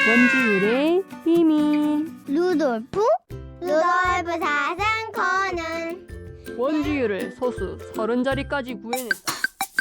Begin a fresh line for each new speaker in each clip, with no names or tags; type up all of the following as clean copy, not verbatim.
원주율의 비밀.
루돌프 사슴코는
원주율을 소수 30자리까지 구해냈다.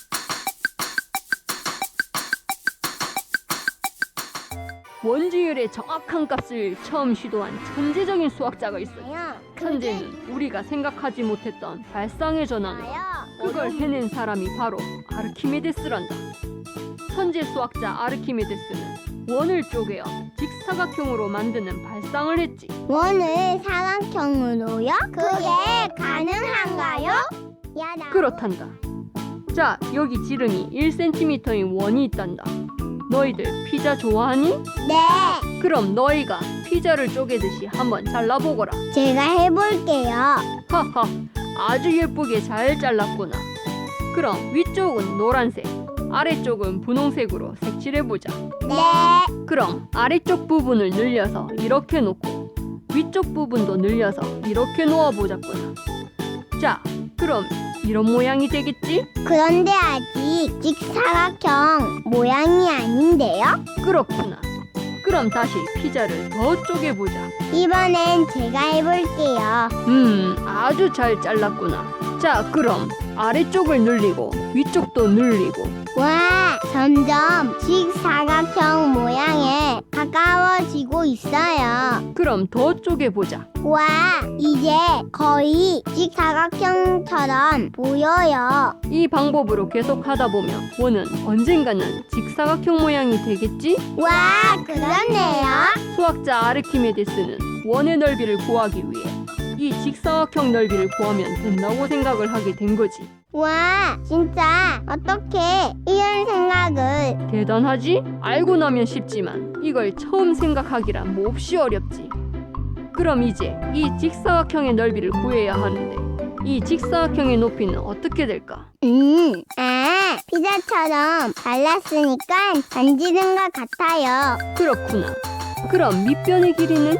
원주율의 정확한 값을 처음 시도한 천재적인 수학자가 있어요. 천재는 우리가 생각하지 못했던 발상의 전환으로 그걸 해낸 사람이 바로 아르키메데스란다. 천재 수학자 아르키메데스는 원을 쪼개어 직사각형으로 만드는 발상을 했지.
원을 사각형으로요? 그게 가능한가요?
그렇단다. 자, 여기 지름이 1cm인 원이 있단다. 너희들 피자 좋아하니?
네,
그럼 너희가 피자를 쪼개듯이 한번 잘라보거라.
제가 해볼게요.
하하, 아주 예쁘게 잘 잘랐구나. 그럼 위쪽은 노란색, 아래쪽은 분홍색으로 색칠해보자.
네,
그럼 아래쪽 부분을 늘려서 이렇게 놓고 위쪽 부분도 늘려서 이렇게 놓아보자꾸나. 자, 그럼 이런 모양이 되겠지?
그런데 아직 직사각형 모양이 아닌데요?
그렇구나. 그럼 다시 피자를 더 쪼개보자.
이번엔 제가 해볼게요.
아주 잘 잘랐구나. 자, 그럼 아래쪽을 늘리고 위쪽도 늘리고.
와, 점점 직사각형 모양에 가까워지고 있어요.
그럼 더 쪼개보자.
와, 이제 거의 직사각형처럼 보여요.
이 방법으로 계속 하다 보면 원은 언젠가는 직사각형 모양이 되겠지?
와, 그렇네요.
수학자 아르키메데스는 원의 넓이를 구하기 위해 이 직사각형 넓이를 구하면 된다고 생각을 하게 된 거지.
와, 진짜 어떻게 이런 생각을.
대단하지? 알고 나면 쉽지만 이걸 처음 생각하기란 몹시 어렵지. 그럼 이제 이 직사각형의 넓이를 구해야 하는데 이 직사각형의 높이는 어떻게 될까?
피자처럼 발랐으니까 만지는 것 같아요.
그렇구나. 그럼 밑변의 길이는?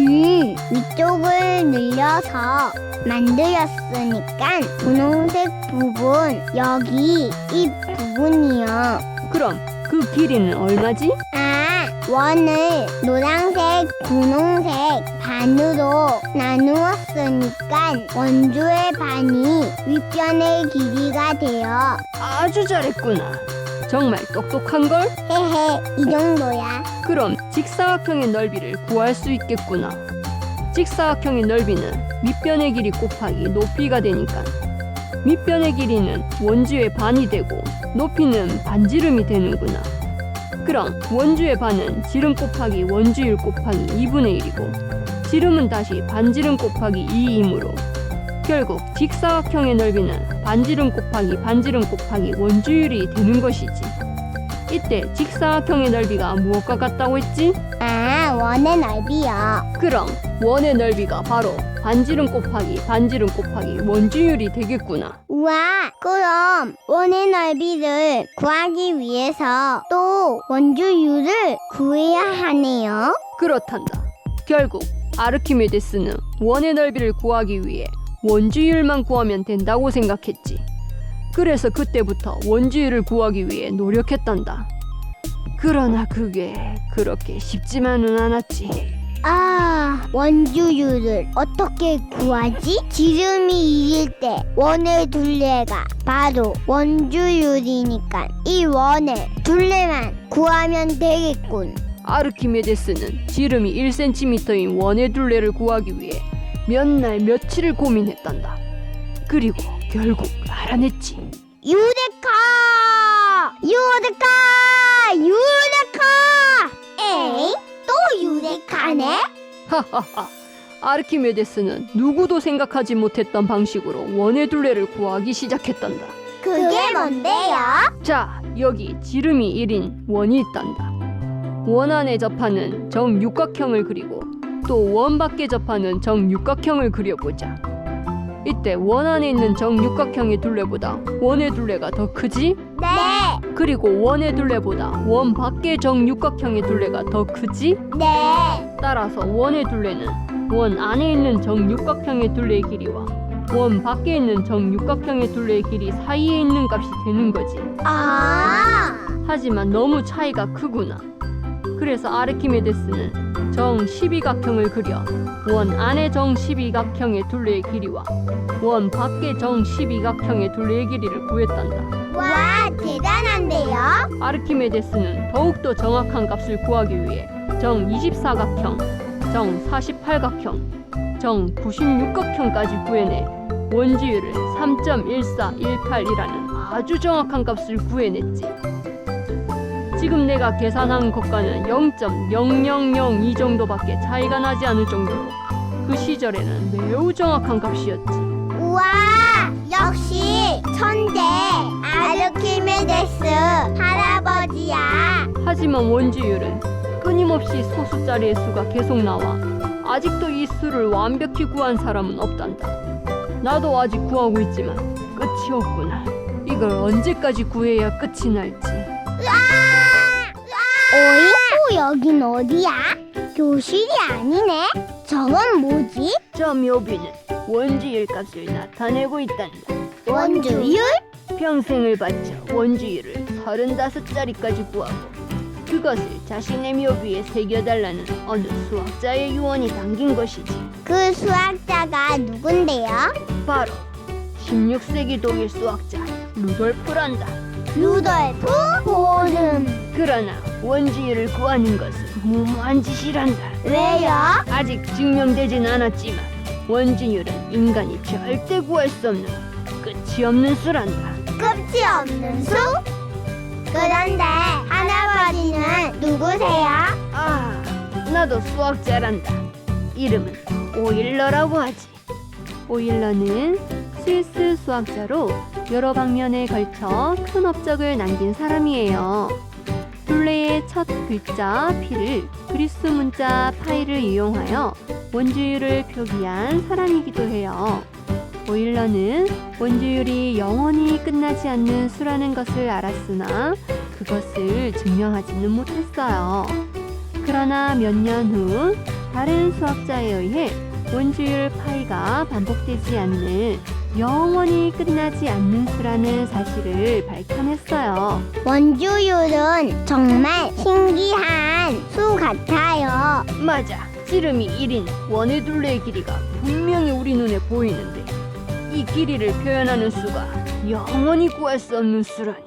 위쪽을 늘려서 만들었으니까 분홍색 부분, 여기 이 부분이요.
그럼 그 길이는 얼마지?
원을 노란색, 분홍색 반으로 나누었으니까 원주의 반이 윗변의 길이가 돼요.
아주 잘했구나. 정말 똑똑한걸?
헤헤, 이 정도야.
그럼 직사각형의 넓이를 구할 수 있겠구나. 직사각형의 넓이는 밑변의 길이 곱하기 높이가 되니까 밑변의 길이는 원주의 반이 되고 높이는 반지름이 되는구나. 그럼 원주의 반은 지름 곱하기 원주율 곱하기 2분의 1이고 지름은 다시 반지름 곱하기 2이므로 결국 직사각형의 넓이는 반지름 곱하기 반지름 곱하기 원주율이 되는 것이지. 이때 직사각형의 넓이가 무엇과 같다고 했지?
원의 넓이요.
그럼 원의 넓이가 바로 반지름 곱하기 반지름 곱하기 원주율이 되겠구나.
우와, 그럼 원의 넓이를 구하기 위해서 또 원주율을 구해야 하네요.
그렇단다. 결국 아르키메데스는 원의 넓이를 구하기 위해 원주율만 구하면 된다고 생각했지. 그래서 그때부터 원주율을 구하기 위해 노력했단다. 그러나 그게 그렇게 쉽지만은 않았지.
원주율을 어떻게 구하지? 지름이 1일 때 원의 둘레가 바로 원주율이니까 이 원의 둘레만 구하면 되겠군.
아르키메데스는 지름이 1cm인 원의 둘레를 구하기 위해 몇 날 며칠을 고민했단다. 그리고 결국 알아냈지.
유레카! 에이? 또 유레카네?
하하하. 아르키메데스는 누구도 생각하지 못했던 방식으로 원의 둘레를 구하기 시작했단다.
그게 뭔데요?
자, 여기 지름이 1인 원이 있단다. 원 안에 접하는 정육각형을 그리고 또 원 밖에 접하는 정육각형을 그려보자. 이때 원 안에 있는 정육각형의 둘레보다 원의 둘레가 더 크지?
네.
그리고 원의 둘레보다 원 밖의 정육각형의 둘레가 더 크지?
네.
따라서 원의 둘레는 원 안에 있는 정육각형의 둘레의 길이와 원 밖에 있는 정육각형의 둘레의 길이 사이에 있는 값이 되는 거지.
아,
하지만 너무 차이가 크구나. 그래서 아르키메데스는 정 12각형을 그려 원 안의 정 12각형의 둘레의 길이와 원 밖의 정 12각형의 둘레의 길이를 구했단다.
와, 대단한데요?
아르키메데스는 더욱더 정확한 값을 구하기 위해 정 24각형, 정 48각형, 정 96각형까지 구해내 원주율을 3.1418이라는 아주 정확한 값을 구해냈지. 지금 내가 계산한 것과는 0.0002 정도밖에 차이가 나지 않을 정도로 그 시절에는 매우 정확한 값이었지.
우와, 역시 천재 아르키메데스 할아버지야.
하지만 원주율은 끊임없이 소수자리의 수가 계속 나와 아직도 이 수를 완벽히 구한 사람은 없단다. 나도 아직 구하고 있지만 끝이 없구나. 이걸 언제까지 구해야 끝이 날지.
어이? 또 여긴 어디야? 교실이 아니네? 저건 뭐지?
저 묘비는 원주율 값을 나타내고 있단다.
원주율?
평생을 바쳐 원주율을 35자리까지 구하고 그것을 자신의 묘비에 새겨달라는 어느 수학자의 유언이 담긴 것이지.
그 수학자가 누군데요?
바로 16세기 독일 수학자 루돌프란다.
루돌프 보름.
그러나 원주율을 구하는 것은 무모한 짓이란다.
왜요?
아직 증명되진 않았지만 원주율은 인간이 절대 구할 수 없는 끝이 없는 수란다.
끝이 없는 수? 그런데 할아버지는 누구세요?
아, 나도 수학자란다. 이름은 오일러라고 하지. 오일러는 스위스 수학자로 여러 방면에 걸쳐 큰 업적을 남긴 사람이에요. 둘레의 첫 글자 P를 그리스 문자 파이를 이용하여 원주율을 표기한 사람이기도 해요. 오일러는 원주율이 영원히 끝나지 않는 수라는 것을 알았으나 그것을 증명하지는 못했어요. 그러나 몇 년 후 다른 수학자에 의해 원주율 파이가 반복되지 않는 영원히 끝나지 않는 수라는 사실을 밝혀냈어요.
원주율은 정말 신기한 수 같아요.
맞아. 지름이 1인 원의 둘레의 길이가 분명히 우리 눈에 보이는데 이 길이를 표현하는 수가 영원히 구할 수 없는 수라니.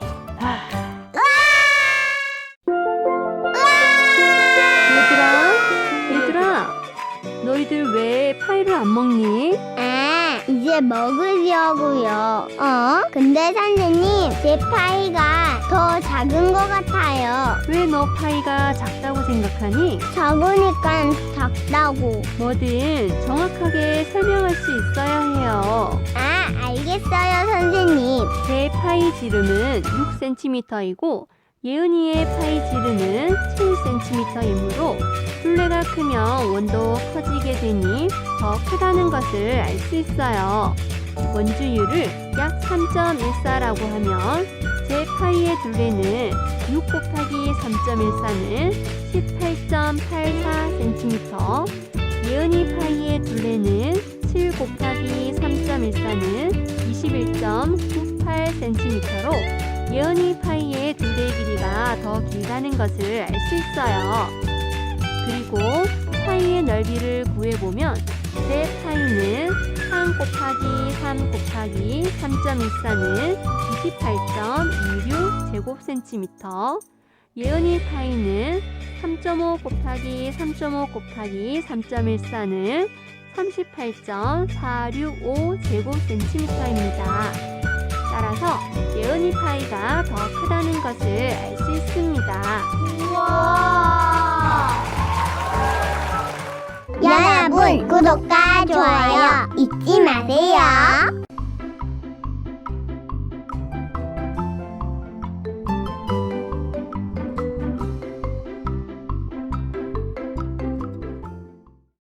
얘들아, 너희들 왜 파이를 안 먹니?
아, 이제 먹으려고요. 근데 선생님, 제 파이가 더 작은 것 같아요.
왜 너 파이가 작다고 생각하니?
작으니까 작다고.
뭐든 정확하게 설명할 수 있어야 해요.
아, 알겠어요, 선생님.
제 파이 지름은 6cm이고 예은이의 파이 지름은 7cm이므로 둘레가 크면 원도 커지게 되니 더 크다는 것을 알 수 있어요. 원주율을 약 3.14라고 하면 제 파이의 둘레는 6 곱하기 3.14는 18.84cm, 예은이 파이의 둘레는 7 곱하기 3.14는 21.98cm로 예은이 파이의 둘레 길이가 더 길다는 것을 알 수 있어요. 그리고 파이의 넓이를 구해보면 제 파이는 3 곱하기 3 곱하기 3.14는 28.26 제곱센티미터, 예은이 파이는 3.5 곱하기 3.5 곱하기 3.14는 38.465 제곱센티미터입니다. 따라서 예은이 파이가 더 크다는 것을 알 수 있습니다.
우와! 여러분, 구독과 좋아요 잊지 마세요.